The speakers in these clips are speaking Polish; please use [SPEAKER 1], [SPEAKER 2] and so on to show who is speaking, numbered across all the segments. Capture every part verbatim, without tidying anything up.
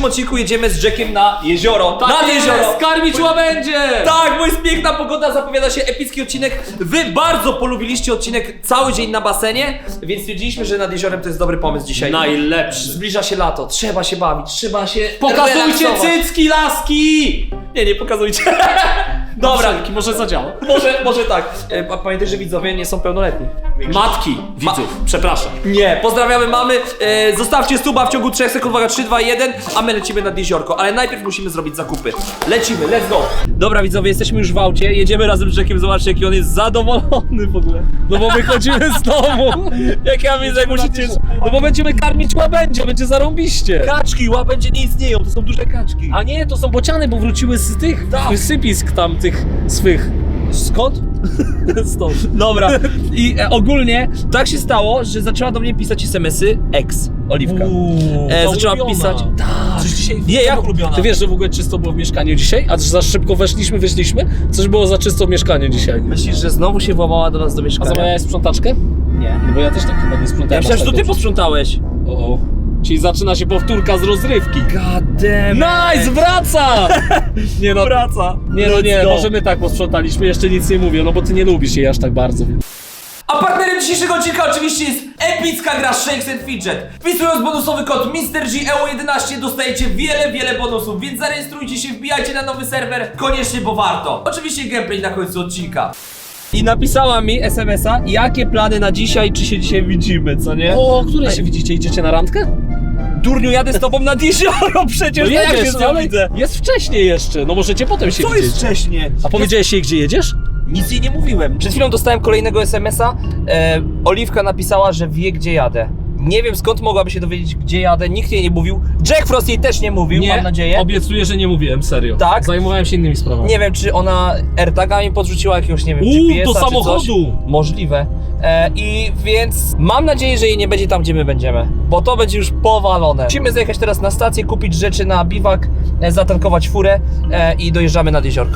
[SPEAKER 1] tym odcinku jedziemy z Jackiem na jezioro.
[SPEAKER 2] Tak
[SPEAKER 1] na
[SPEAKER 2] jest,
[SPEAKER 1] jezioro!
[SPEAKER 2] Skarmić łabędzie!
[SPEAKER 1] Tak, bo jest piękna pogoda, zapowiada się epicki odcinek. Wy bardzo polubiliście odcinek Cały dzień na basenie, więc stwierdziliśmy, że nad jeziorem to jest dobry pomysł dzisiaj.
[SPEAKER 2] Najlepszy.
[SPEAKER 1] Zbliża się lato, trzeba się bawić, trzeba się
[SPEAKER 2] Pokazujcie
[SPEAKER 1] relaksować.
[SPEAKER 2] cycki, laski!
[SPEAKER 1] Nie, nie pokazujcie. Dobra,
[SPEAKER 2] Wszelki, może zadziała.
[SPEAKER 1] może, może tak. E, a pamiętaj, że widzowie nie są pełnoletni.
[SPEAKER 2] Matki widzów, przepraszam.
[SPEAKER 1] Nie, pozdrawiamy mamy. E, zostawcie suba w ciągu trzech sekund, uwaga, trzy, dwa, jeden, a my lecimy nad jeziorko, ale najpierw musimy zrobić zakupy. Lecimy, let's go! Dobra widzowie, jesteśmy już w aucie, jedziemy razem z Jackiem, zobaczcie jaki on jest zadowolony w ogóle.
[SPEAKER 2] No bo wychodzimy z domu.
[SPEAKER 1] Jak ja widzę, jak musicie...
[SPEAKER 2] No bo będziemy karmić łabędzie, będzie zarąbiście.
[SPEAKER 1] Kaczki, łabędzie nie istnieją, to są duże kaczki.
[SPEAKER 2] A nie, to są bociany, bo wróciły z tych
[SPEAKER 1] Tak.
[SPEAKER 2] wysypisk tam tych swych.
[SPEAKER 1] Skąd?
[SPEAKER 2] Stąd.
[SPEAKER 1] Dobra, i e, ogólnie tak się stało, że zaczęła do mnie pisać es em esy ex, Oliwka. E,
[SPEAKER 2] ta
[SPEAKER 1] zaczęła
[SPEAKER 2] ulubiona.
[SPEAKER 1] pisać... Tak.
[SPEAKER 2] Coś dzisiaj...
[SPEAKER 1] Nie, jak ulubiona?
[SPEAKER 2] Ty wiesz, że w ogóle czysto było w mieszkaniu dzisiaj? A za szybko weszliśmy, wyszliśmy? Coś było za czysto w mieszkaniu dzisiaj.
[SPEAKER 1] Myślisz, że znowu się włamała do nas do
[SPEAKER 2] A
[SPEAKER 1] mieszkania?
[SPEAKER 2] zamawiałeś sprzątaczkę?
[SPEAKER 1] Nie.
[SPEAKER 2] No bo ja też tak chyba nie sprzątałem.
[SPEAKER 1] Ja myślałem, że
[SPEAKER 2] aż
[SPEAKER 1] to
[SPEAKER 2] tak
[SPEAKER 1] ty
[SPEAKER 2] dobrze.
[SPEAKER 1] posprzątałeś.
[SPEAKER 2] O, o. Czyli zaczyna się powtórka z rozrywki.
[SPEAKER 1] God damn.
[SPEAKER 2] Nice, wraca! Nie no,
[SPEAKER 1] Wraca.
[SPEAKER 2] nie no, nie,
[SPEAKER 1] Let's go.
[SPEAKER 2] może my tak posprzątaliśmy, jeszcze nic nie mówię, no bo ty nie lubisz jej aż tak bardzo.
[SPEAKER 1] A partnerem dzisiejszego odcinka oczywiście jest epicka gra Shakes and Fidget. Wpisując bonusowy kod mister G E U jedenaście dostajecie wiele, wiele bonusów, więc zarejestrujcie się, wbijajcie na nowy serwer, koniecznie, bo warto. Oczywiście gameplay na końcu odcinka. I napisała mi es em esa, jakie plany na dzisiaj, czy się dzisiaj widzimy, co nie?
[SPEAKER 2] O, o której się widzicie? Idziecie na randkę?
[SPEAKER 1] Durniu, jadę z tobą nad jezioro przecież,
[SPEAKER 2] No
[SPEAKER 1] no jak
[SPEAKER 2] jedziesz,
[SPEAKER 1] się z nią
[SPEAKER 2] ale
[SPEAKER 1] widzę?
[SPEAKER 2] jest wcześniej jeszcze, no możecie potem się
[SPEAKER 1] Co
[SPEAKER 2] widzieć.
[SPEAKER 1] jest wcześnie?
[SPEAKER 2] A powiedziałeś jej, gdzie jedziesz?
[SPEAKER 1] Nic jej nie mówiłem. Przed chwilą dostałem kolejnego es em esa. E, Oliwka napisała, że wie, gdzie jadę. Nie wiem, skąd mogłaby się dowiedzieć, gdzie jadę. Nikt jej nie mówił. Jack Frost jej też nie mówił, mam nadzieję.
[SPEAKER 2] Obiecuję, że nie mówiłem, serio.
[SPEAKER 1] Tak?
[SPEAKER 2] Zajmowałem się innymi sprawami.
[SPEAKER 1] Nie wiem, czy ona AirTaga mi podrzuciła jakiegoś, nie wiem,
[SPEAKER 2] Uuu,
[SPEAKER 1] G P S-a
[SPEAKER 2] do
[SPEAKER 1] czy
[SPEAKER 2] samochodu!
[SPEAKER 1] Coś. Możliwe. E, I więc mam nadzieję, że jej nie będzie tam, gdzie my będziemy. Bo to będzie już powalone. Musimy zjechać teraz na stację, kupić rzeczy na biwak, e, zatankować furę e, i dojeżdżamy nad jeziorko.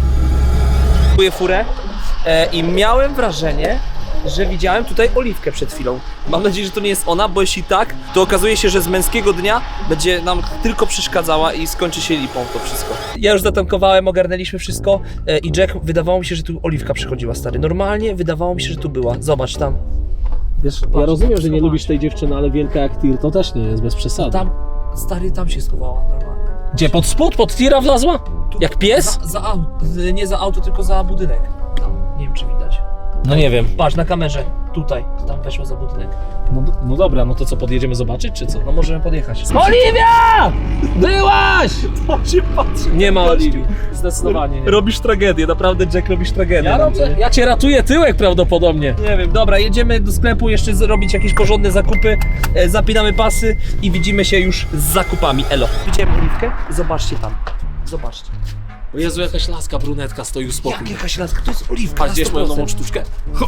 [SPEAKER 1] Kupuję furę e, i miałem wrażenie, że widziałem tutaj Oliwkę przed chwilą. Mam nadzieję, że to nie jest ona, bo jeśli tak, to okazuje się, że z męskiego dnia będzie nam tylko przeszkadzała i skończy się lipą to wszystko. Ja już zatankowałem, ogarnęliśmy wszystko e, i Jack, wydawało mi się, że tu Oliwka przychodziła, stary. Normalnie wydawało mi się, że tu była. Zobacz tam.
[SPEAKER 2] Wiesz, ja rozumiem, że nie lubisz tej dziewczyny, ale wielka jak tir to też nie jest bez przesady.
[SPEAKER 1] Tam, stary, tam się schowała normalnie.
[SPEAKER 2] Gdzie, pod spód, pod tira wlazła?
[SPEAKER 1] Tu,
[SPEAKER 2] Jak pies?
[SPEAKER 1] Za, za auto, nie za auto, tylko za budynek. Tam, nie wiem, czy widać.
[SPEAKER 2] No nie wiem.
[SPEAKER 1] Patrz, na kamerze, tutaj, tam weszło za budynek.
[SPEAKER 2] No, no dobra, no to co, podjedziemy zobaczyć, czy co?
[SPEAKER 1] No możemy podjechać.
[SPEAKER 2] Oliwia! Byłaś!
[SPEAKER 1] To się patrzy.
[SPEAKER 2] Nie ma Oliwii. Zdecydowanie nie.
[SPEAKER 1] Robisz tragedię, naprawdę, Jack, robisz tragedię.
[SPEAKER 2] Ja robię, ja cię ratuję tyłek prawdopodobnie.
[SPEAKER 1] Nie wiem, dobra, jedziemy do sklepu jeszcze zrobić jakieś porządne zakupy, e, zapinamy pasy i widzimy się już z zakupami. Elo. Widziałem Oliwkę? Zobaczcie tam. Zobaczcie.
[SPEAKER 2] O Jezu, jakaś laska brunetka stoi u spokój.
[SPEAKER 1] Jak jakaś laska? To jest Oliwka.
[SPEAKER 2] A
[SPEAKER 1] na
[SPEAKER 2] gdzieś moją
[SPEAKER 1] sto
[SPEAKER 2] nową
[SPEAKER 1] procent.
[SPEAKER 2] sztuczkę?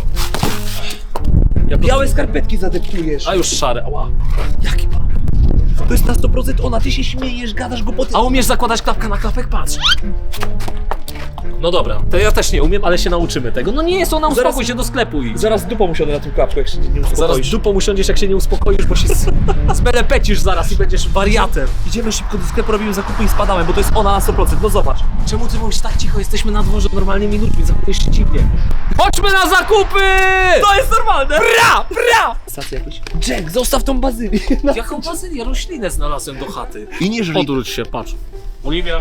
[SPEAKER 1] Białe skarpetki zadeptujesz.
[SPEAKER 2] A już szare, ała.
[SPEAKER 1] Jaki pan? To jest na sto procent ona, ty się śmiejesz, gadasz głupoty.
[SPEAKER 2] A umiesz zakładać klapka na klapek? Patrz. No dobra, to ja też nie umiem, ale się nauczymy tego. No nie jest ona, uspokój
[SPEAKER 1] Zaraz-
[SPEAKER 2] się do sklepu idź.
[SPEAKER 1] Zaraz dupą usiądę na tym klapku, jak się nie
[SPEAKER 2] Zaraz
[SPEAKER 1] uspokoisz.
[SPEAKER 2] dupą usiądziesz, jak się nie uspokoisz, bo się z- zmelepecisz zaraz i będziesz wariatem.
[SPEAKER 1] Idziemy szybko do sklepu, robimy zakupy i spadamy, bo to jest ona na sto procent. No zobacz.
[SPEAKER 2] Czemu ty mówisz tak cicho? Jesteśmy na dworze normalnie minutami, zachowujesz się dziwnie. Chodźmy na zakupy!
[SPEAKER 1] To jest normalne! Bra! Bra! Stacja jakieś. Jack, zostaw tą bazylię.
[SPEAKER 2] Jaką bazylię? Roślinę znalazłem do chaty.
[SPEAKER 1] I nie żryj.
[SPEAKER 2] Odwróć się, patrz. Oliwia.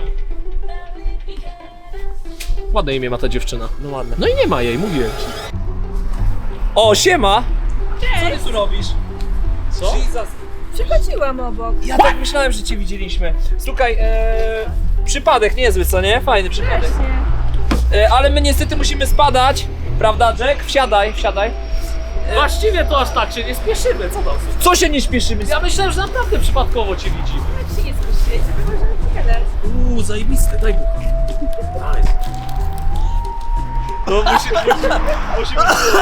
[SPEAKER 2] Ładne imię ma ta dziewczyna.
[SPEAKER 1] No ładne.
[SPEAKER 2] No i nie ma jej, mówiłem ci.
[SPEAKER 1] O, siema! Co ty tu robisz?
[SPEAKER 2] Co?
[SPEAKER 1] Jesus.
[SPEAKER 3] Przychodziłam obok.
[SPEAKER 1] Ja tak myślałem, że cię widzieliśmy. Słuchaj, e, przypadek niezły, co nie? Fajny przypadek.
[SPEAKER 3] Właśnie.
[SPEAKER 1] E, ale my niestety musimy spadać. Prawda, Jack? Wsiadaj, wsiadaj.
[SPEAKER 2] Właściwie to aż tak się nie spieszymy, co tam?
[SPEAKER 1] Co się nie śpieszymy?
[SPEAKER 2] Ja myślałem, że naprawdę przypadkowo cię widzimy.
[SPEAKER 3] Jak się nie spuściłeś, to możemy pogadać.
[SPEAKER 1] Uuu, zajebiste, daj bucha.
[SPEAKER 2] Nice.
[SPEAKER 1] No musimy, musimy, musimy.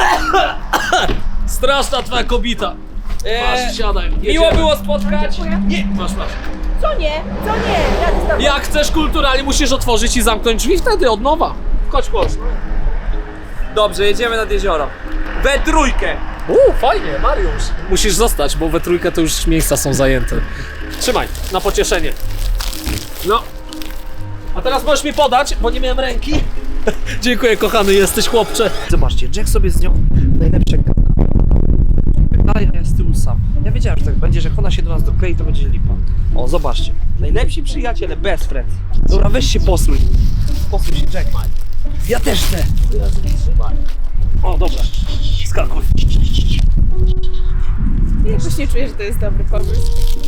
[SPEAKER 2] Straszna twoja kobita.
[SPEAKER 1] E,
[SPEAKER 2] Masz, siadaj.
[SPEAKER 1] miło
[SPEAKER 2] jedziemy.
[SPEAKER 1] było spotkać.
[SPEAKER 2] Nie, masz, masz.
[SPEAKER 3] Co nie? Co nie? Jadę z tobą.
[SPEAKER 2] Jak chcesz kulturalnie, musisz otworzyć i zamknąć drzwi wtedy od nowa. Chodź, chodź.
[SPEAKER 1] Dobrze, jedziemy nad jezioro. We trójkę.
[SPEAKER 2] Uuu, fajnie, Mariusz. Musisz zostać, bo we trójkę to już miejsca są zajęte. Trzymaj, na pocieszenie. No. A teraz możesz mi podać, bo nie miałem ręki. Dziękuję, kochany, jesteś chłopcze.
[SPEAKER 1] Zobaczcie, Jack sobie z nią najlepsze dalej, a ja z tyłu sam. Ja wiedziałem, że tak będzie, że jak ona się do nas doklei, to będzie lipa. O, zobaczcie. Najlepsi przyjaciele, best friends. Dobra, weź się posłuj. Posłuj się, Jack. Ja też chcę.
[SPEAKER 2] O, dobra. Skakuj.
[SPEAKER 3] Jakoś nie czuję, że to jest dobry pomysł.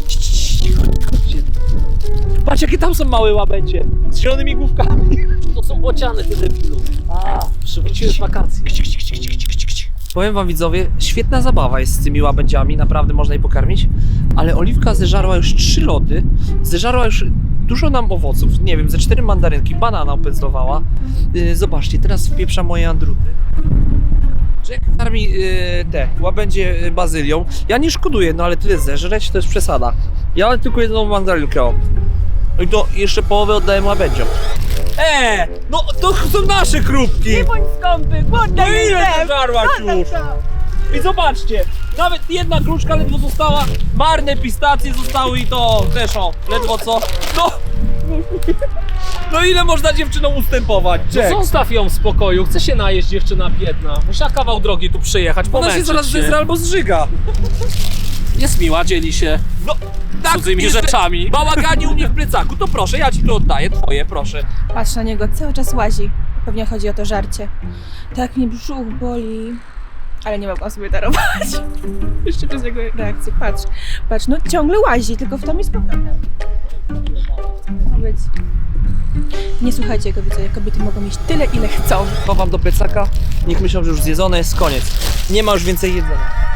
[SPEAKER 1] Patrz, jakie tam są małe łabędzie. Z zielonymi główkami.
[SPEAKER 2] To są bociany, ty debilu. A, przywróciły z wakacji.
[SPEAKER 1] Powiem wam, widzowie, świetna zabawa jest z tymi łabędziami, naprawdę można je pokarmić, ale Oliwka zeżarła już trzy lody, zeżarła już dużo nam owoców, nie wiem, ze cztery mandarynki, banana opędzlowała. Yy, zobaczcie, teraz wpieprza moje andruty. Jack karmi yy, te łabędzie yy, bazylią. Ja nie szkoduję, no ale tyle zeżreć to jest przesada. Ja tylko jedną mandarynkę mam. I to jeszcze połowę oddałem łabędziom. Eee, no to są nasze krupki!
[SPEAKER 3] Nie bądź skąpy,
[SPEAKER 1] No
[SPEAKER 3] głodna
[SPEAKER 1] ile
[SPEAKER 3] jestem!
[SPEAKER 1] ty żarłaś już? I zobaczcie, nawet jedna gruszka ledwo została, marne pistacje zostały i to też o, ledwo co. No, no ile można dziewczynom ustępować?
[SPEAKER 2] No
[SPEAKER 1] Jack.
[SPEAKER 2] zostaw ją w spokoju, chce się najeść, dziewczyna biedna. Musiała kawał drogi tu przyjechać,
[SPEAKER 1] Ona
[SPEAKER 2] pomęczyć
[SPEAKER 1] się zaraz
[SPEAKER 2] się.
[SPEAKER 1] zezra albo zżyga.
[SPEAKER 2] Jest miła, dzieli się
[SPEAKER 1] No, tak,
[SPEAKER 2] cudzymi
[SPEAKER 1] jeszcze
[SPEAKER 2] rzeczami.
[SPEAKER 1] Bałaganie u mnie w plecaku, to proszę, ja ci to oddaję, twoje, proszę.
[SPEAKER 3] Patrz na niego, cały czas łazi. Pewnie chodzi o to żarcie. Tak mnie brzuch boli. Ale nie mogłam sobie darować. Jeszcze przez jego reakcję. Patrz, patrz, no ciągle łazi, tylko w to mi spokojnie. Ma być. Nie słuchajcie jego widzowie, kobiety mogą mieć tyle, ile chcą.
[SPEAKER 1] Chowam do plecaka, niech myślą, że już zjedzone jest, koniec. Nie ma już więcej jedzenia.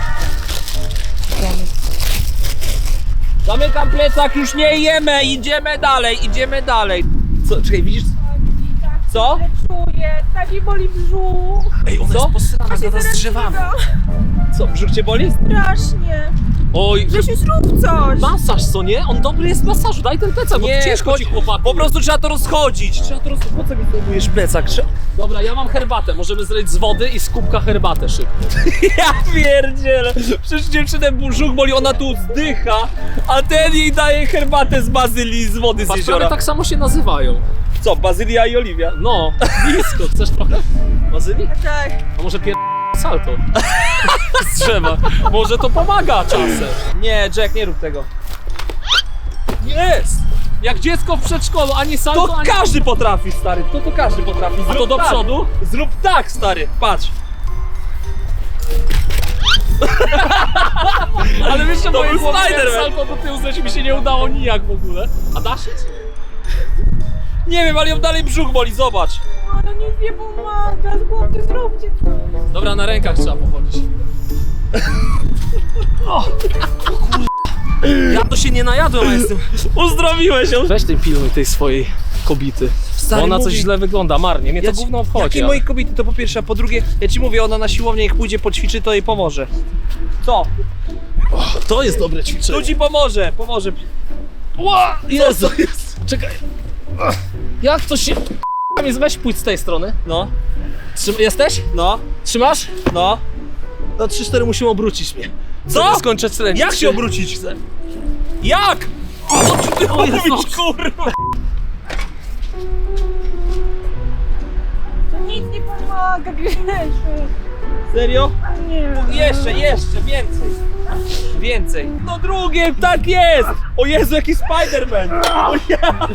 [SPEAKER 1] Zamykam plecak, już nie jemy, idziemy dalej, idziemy dalej. Co, czekaj, widzisz? Co?
[SPEAKER 3] Ale czuję, tak mi boli brzuch.
[SPEAKER 2] Ej, ona
[SPEAKER 1] Co?
[SPEAKER 2] jest posrana, gada z drzewami.
[SPEAKER 1] Co, brzuch cię boli?
[SPEAKER 3] Strasznie.
[SPEAKER 2] Oj,
[SPEAKER 3] Grzesiu, zrób coś.
[SPEAKER 2] masaż, co nie? On dobry jest w masażu, daj ten plecak, bo
[SPEAKER 1] Nie,
[SPEAKER 2] ciężko
[SPEAKER 1] chodź-
[SPEAKER 2] ci chłopaku.
[SPEAKER 1] Po prostu trzeba to rozchodzić. Trzeba to rozchodzić. Po co mi zdejmujesz plecak? Trzeba...
[SPEAKER 2] Dobra, ja mam herbatę, możemy zrobić z wody i z kubka herbatę szybko.
[SPEAKER 1] Ja pierdzielę. Przecież dziewczynę brzuch boli, ona tu zdycha, a ten jej daje herbatę z bazylii z wody z
[SPEAKER 2] Patrz,
[SPEAKER 1] jeziora.
[SPEAKER 2] prawie tak samo się nazywają.
[SPEAKER 1] Co, bazylia i oliwia?
[SPEAKER 2] No, blisko, chcesz trochę? Bazylii?
[SPEAKER 3] Tak.
[SPEAKER 2] A może pier... salto z drzewa. Może to pomaga czasem.
[SPEAKER 1] Nie, Jack, nie rób tego.
[SPEAKER 2] Jest! Jak dziecko w przedszkolu, ani salto,
[SPEAKER 1] To
[SPEAKER 2] ani...
[SPEAKER 1] każdy potrafi, stary. To to każdy potrafi.
[SPEAKER 2] A to
[SPEAKER 1] Zrób
[SPEAKER 2] do
[SPEAKER 1] tak.
[SPEAKER 2] przodu?
[SPEAKER 1] Zrób tak, stary. Patrz.
[SPEAKER 2] Ale wiesz, że
[SPEAKER 1] To
[SPEAKER 2] moje
[SPEAKER 1] był
[SPEAKER 2] głowy
[SPEAKER 1] Spider-Man.
[SPEAKER 2] salto do tyłu zleci mi się nie udało nijak w ogóle. A dasz się?
[SPEAKER 1] Nie wiem, ale ją dalej brzuch boli, zobacz.
[SPEAKER 3] Ale nic nie pomaga, z głowy zróbcie coś.
[SPEAKER 2] Dobra, na rękach trzeba pochodzić. Ja to się nie najadłem, a jestem...
[SPEAKER 1] Uzdrowiłeś ją.
[SPEAKER 2] Weź ten pilnuj tej swojej kobiety.
[SPEAKER 1] Stary,
[SPEAKER 2] Bo ona coś
[SPEAKER 1] mówi-
[SPEAKER 2] źle wygląda, marnie. Mnie
[SPEAKER 1] Ja
[SPEAKER 2] to
[SPEAKER 1] ci-
[SPEAKER 2] gówno wchodzi.
[SPEAKER 1] Jakie
[SPEAKER 2] ale-
[SPEAKER 1] moje kobiety, to po pierwsze, a po drugie, ja ci mówię, ona na siłownię jak pójdzie, poćwiczy, to jej pomoże. Co?
[SPEAKER 2] To jest dobre ćwiczenie.
[SPEAKER 1] Tu ci pomoże, pomoże.
[SPEAKER 2] Ła! Jezu!
[SPEAKER 1] Co to jest?
[SPEAKER 2] Czekaj. Ach, jak to się... Jest, weź pójdź z tej strony.
[SPEAKER 1] No,
[SPEAKER 2] Trzym... Jesteś?
[SPEAKER 1] no,
[SPEAKER 2] Trzymasz?
[SPEAKER 1] no.
[SPEAKER 2] Na trzy cztery musimy obrócić mnie.
[SPEAKER 1] Co?
[SPEAKER 2] Żeby skończyć trening.
[SPEAKER 1] Jak się obrócić chcę? Jak? O, co ty
[SPEAKER 2] O Jezu.
[SPEAKER 1] mówisz, kurwa?
[SPEAKER 3] To nic nie pomaga, Grzesiu.
[SPEAKER 1] Serio?
[SPEAKER 3] Nie.
[SPEAKER 1] Jeszcze, jeszcze, więcej. Więcej. No drugie, tak jest! O Jezu, jaki Spider-Man! O ja!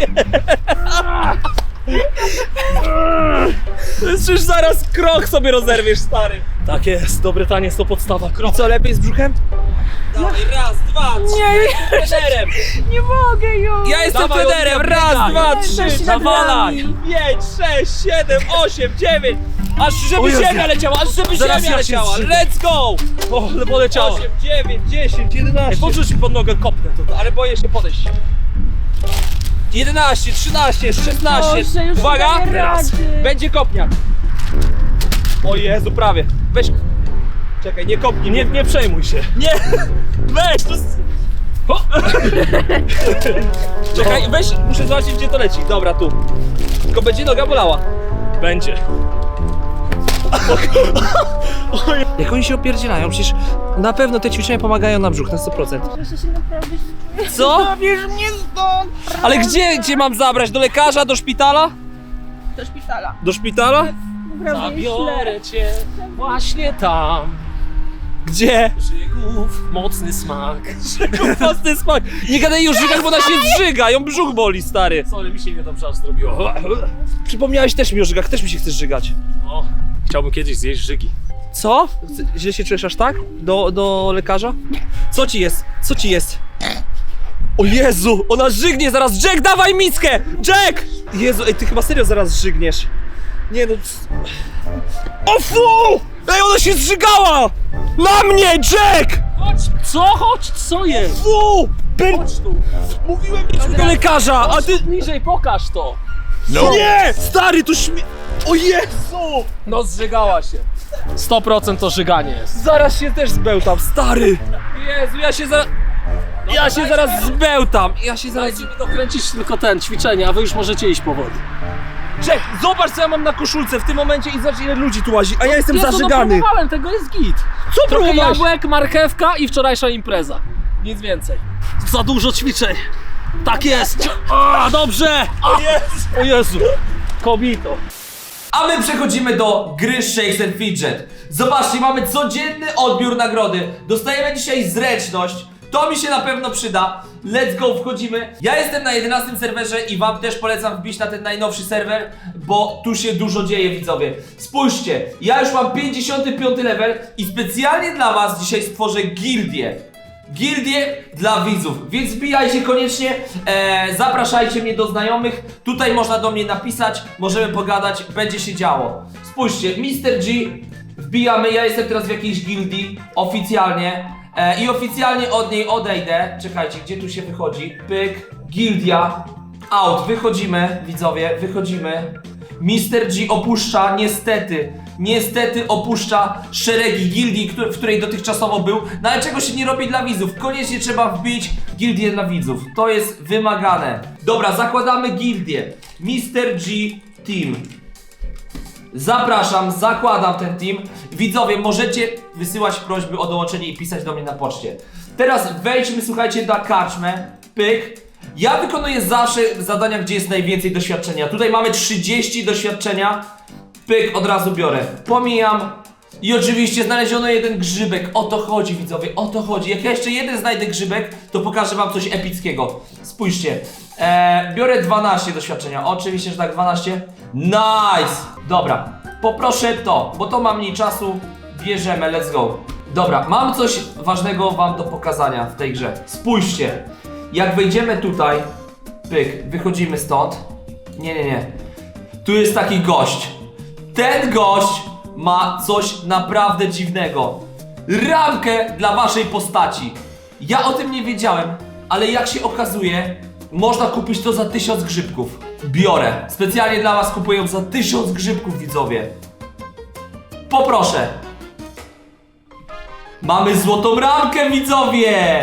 [SPEAKER 1] To jest przecież zaraz krok sobie rozerwiesz, stary.
[SPEAKER 2] Tak jest, dobry taniec to podstawa.
[SPEAKER 1] I co, lepiej z brzuchem? Dawaj, raz, dwa, trzy.
[SPEAKER 3] Nie,
[SPEAKER 1] Jestem trenerem.
[SPEAKER 3] nie mogę już.
[SPEAKER 1] Ja jestem
[SPEAKER 2] Dawaj,
[SPEAKER 1] trenerem.
[SPEAKER 2] Oliwia,
[SPEAKER 1] Raz,
[SPEAKER 2] biegaj.
[SPEAKER 1] dwa,
[SPEAKER 3] Jesteś
[SPEAKER 1] trzy.
[SPEAKER 3] nad
[SPEAKER 1] Nawalaj.
[SPEAKER 3] nami.
[SPEAKER 1] Pięć, sześć, siedem, osiem, dziewięć. Aż żeby
[SPEAKER 2] O Jezu.
[SPEAKER 1] ziemia leciała, aż żeby
[SPEAKER 2] Zaraz
[SPEAKER 1] ziemia
[SPEAKER 2] ja się
[SPEAKER 1] leciała.
[SPEAKER 2] zżygam.
[SPEAKER 1] Let's go!
[SPEAKER 2] O, ale poleciało.
[SPEAKER 1] osiem, dziewięć, dziesięć, jedenaście.
[SPEAKER 2] Podrzuć mi pod nogę, kopnę to.
[SPEAKER 1] Ale boję się podejść. jedenaście, trzynaście, szesnaście.
[SPEAKER 3] Boże, już
[SPEAKER 1] Uwaga!
[SPEAKER 3] nie daję
[SPEAKER 1] Teraz.
[SPEAKER 3] rady.
[SPEAKER 1] Będzie kopniak. O Jezu, prawie. Weź. Czekaj, nie kopnij.
[SPEAKER 2] Nie, nie przejmuj się.
[SPEAKER 1] Nie! Weź! To... s- O! Czekaj, weź, muszę zobaczyć, gdzie to leci. Dobra, tu. Tylko będzie noga bolała.
[SPEAKER 2] Będzie.
[SPEAKER 1] Jak oni się opierdzielają, przecież na pewno te ćwiczenia pomagają na brzuch, na sto procent.
[SPEAKER 3] Że się naprawdę
[SPEAKER 1] Co?
[SPEAKER 3] zabierz mnie stąd!
[SPEAKER 1] Ale gdzie, gdzie mam zabrać? Do lekarza, do szpitala?
[SPEAKER 3] Do szpitala.
[SPEAKER 1] Do szpitala?
[SPEAKER 3] Naprawdę źle.
[SPEAKER 2] Zabiorę cię właśnie tam.
[SPEAKER 1] Gdzie?
[SPEAKER 2] Żygów, mocny smak.
[SPEAKER 1] Własny smak. Nie gadaj już żygach, bo ona się zżyga, ją brzuch boli, stary.
[SPEAKER 2] Sorry, mi się niedobrze aż zrobiło.
[SPEAKER 1] Przypomniałeś też mi o żygach, też mi się chcesz żygać.
[SPEAKER 2] O, chciałbym kiedyś zjeść żygi.
[SPEAKER 1] Co? Źle się czujesz aż tak? Do, do lekarza? Co ci jest? Co ci jest? O Jezu, ona żygnie zaraz! Jack, dawaj miskę! Jack! Jezu, ej, ty chyba serio zaraz żygniesz. Nie no... c- O fu! Ej, ona się zżygała! Na mnie, Jack!
[SPEAKER 2] Chodź! Co? Chodź! Co jest?
[SPEAKER 1] Fu! Ben...
[SPEAKER 2] Chodź tu!
[SPEAKER 1] Mówiłem idź do lekarza, a
[SPEAKER 2] Chodź
[SPEAKER 1] ty...
[SPEAKER 2] tu niżej, pokaż to!
[SPEAKER 1] Nie! Stary, to śmie... O Jezu!
[SPEAKER 2] No zżygała się. sto procent to żyganie jest.
[SPEAKER 1] Zaraz się też zbełtam, stary! Jezu, ja się za... Ja się zaraz zbełtam! Ja się zaraz...
[SPEAKER 2] Dajcie mi dokręcić tylko ten, ćwiczenie, a wy już możecie iść powoli.
[SPEAKER 1] Jack, zobacz co ja mam na koszulce w tym momencie i zobacz ile ludzi tu łazi, a ja jestem
[SPEAKER 2] Nie, to no
[SPEAKER 1] zażygany.
[SPEAKER 2] próbowałem, tego jest git.
[SPEAKER 1] Co
[SPEAKER 2] Trochę
[SPEAKER 1] próbowałeś?
[SPEAKER 2] jabłek, marchewka i wczorajsza impreza. Nic więcej. Za dużo ćwiczeń. Tak jest. A, dobrze. A,
[SPEAKER 1] Jezu.
[SPEAKER 2] o Jezu. Kobito.
[SPEAKER 1] A my przechodzimy do gry Shakes and Fidget. Zobaczcie, mamy codzienny odbiór nagrody. Dostajemy dzisiaj zręczność. To mi się na pewno przyda. Let's go, wchodzimy. Ja jestem na jedenastym serwerze i wam też polecam wbić na ten najnowszy serwer, bo tu się dużo dzieje, widzowie. Spójrzcie, ja już mam pięćdziesiąty piąty level i specjalnie dla was dzisiaj stworzę gildię. Gildię dla widzów, więc wbijajcie koniecznie, e, zapraszajcie mnie do znajomych. Tutaj można do mnie napisać, możemy pogadać, będzie się działo. Spójrzcie, mister G, wbijamy, ja jestem teraz w jakiejś gildii, oficjalnie. E, I oficjalnie od niej odejdę. Czekajcie, gdzie tu się wychodzi? Pyk, gildia, out, wychodzimy, widzowie, wychodzimy. mister G opuszcza, niestety, niestety opuszcza szeregi gildii, któ- w której dotychczasowo był. No ale czego się nie robi dla widzów? Koniecznie trzeba wbić gildię dla widzów. To jest wymagane. Dobra, zakładamy gildię. mister G Team. Zapraszam, zakładam ten team. Widzowie, możecie wysyłać prośby o dołączenie i pisać do mnie na poczcie. Teraz wejdźmy, słuchajcie, na karczmę. Pyk. Ja wykonuję zawsze zadania, gdzie jest najwięcej doświadczenia. Tutaj mamy trzydzieści doświadczenia. Pyk, od razu biorę. Pomijam. I oczywiście znaleziono jeden grzybek. O to chodzi, widzowie, o to chodzi. Jak ja jeszcze jeden znajdę grzybek, to pokażę wam coś epickiego. Spójrzcie. Eee, biorę dwanaście doświadczenia. Oczywiście, że tak, dwanaście. Nice! Dobra, poproszę to, bo to ma mniej czasu. Bierzemy, let's go. Dobra, mam coś ważnego wam do pokazania w tej grze. Spójrzcie. Jak wejdziemy tutaj, pyk, wychodzimy stąd. Nie, nie, nie. Tu jest taki gość. Ten gość ma coś naprawdę dziwnego. Ramkę dla waszej postaci. Ja o tym nie wiedziałem, ale jak się okazuje, można kupić to za tysiąc grzybków. Biorę. Specjalnie dla was kupuję ją za tysiąc grzybków, widzowie. Poproszę. Mamy złotą ramkę, widzowie!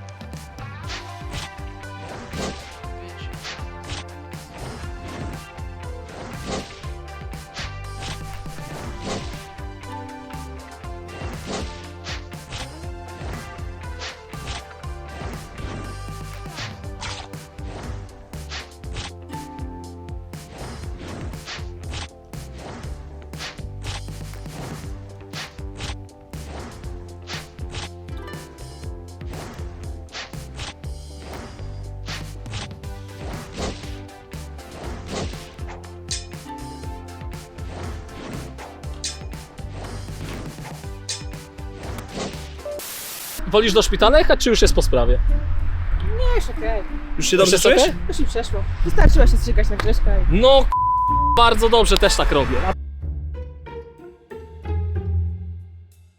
[SPEAKER 2] Wolisz do szpitala jechać, czy już jest po sprawie?
[SPEAKER 3] Nie, już okej.
[SPEAKER 1] Już się
[SPEAKER 2] Już
[SPEAKER 1] dobrze
[SPEAKER 2] jest
[SPEAKER 1] czujesz?
[SPEAKER 2] okej?
[SPEAKER 3] Już mi przeszło. Wystarczyła się strzykać na Grześka i...
[SPEAKER 2] No, k- bardzo dobrze, też tak robię.